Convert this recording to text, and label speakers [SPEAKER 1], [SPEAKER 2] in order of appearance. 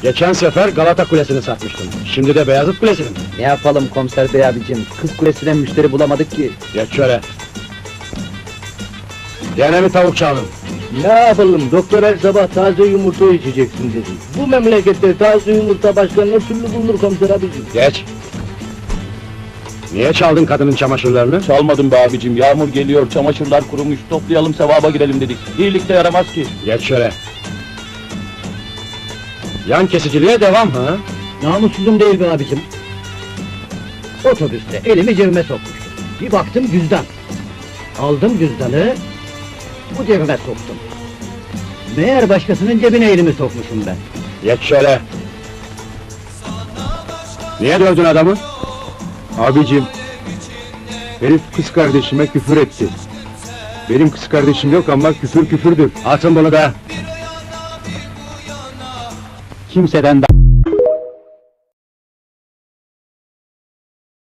[SPEAKER 1] Geçen sefer Galata Kulesi'ni satmıştım. Şimdi de Beyazıt Kulesi'ni.
[SPEAKER 2] Ne yapalım komiser bey abicim, Kız Kulesi'ne müşteri bulamadık ki.
[SPEAKER 1] Geç şöyle. Gene mi tavuk çaldın?
[SPEAKER 3] Ne yapalım, doktor her sabah taze yumurta içeceksin dedi. Bu memlekette taze yumurta başka ne türlü bulunur komiser abicim?
[SPEAKER 1] Geç. Niye çaldın kadının çamaşırlarını?
[SPEAKER 4] Çalmadım be abicim, yağmur geliyor, çamaşırlar kurumuş, toplayalım sevaba girelim dedik. İyilik de yaramaz ki.
[SPEAKER 1] Geç şöyle. Yan kesiciliğe devam ha?
[SPEAKER 3] Namussuzum değil be abicim. Otobüste elimi cebime sokmuştum. Bir baktım cüzdan. Aldım cüzdanı, bu cebime soktum. Meğer başkasının cebine elimi sokmuşum ben.
[SPEAKER 1] Geç şöyle. Niye dövdün adamı?
[SPEAKER 5] Abicim, herif kız kardeşime küfür etti. Benim kız kardeşim yok ama küfür küfürdür.
[SPEAKER 1] Atın bunu da.
[SPEAKER 2] Kimseden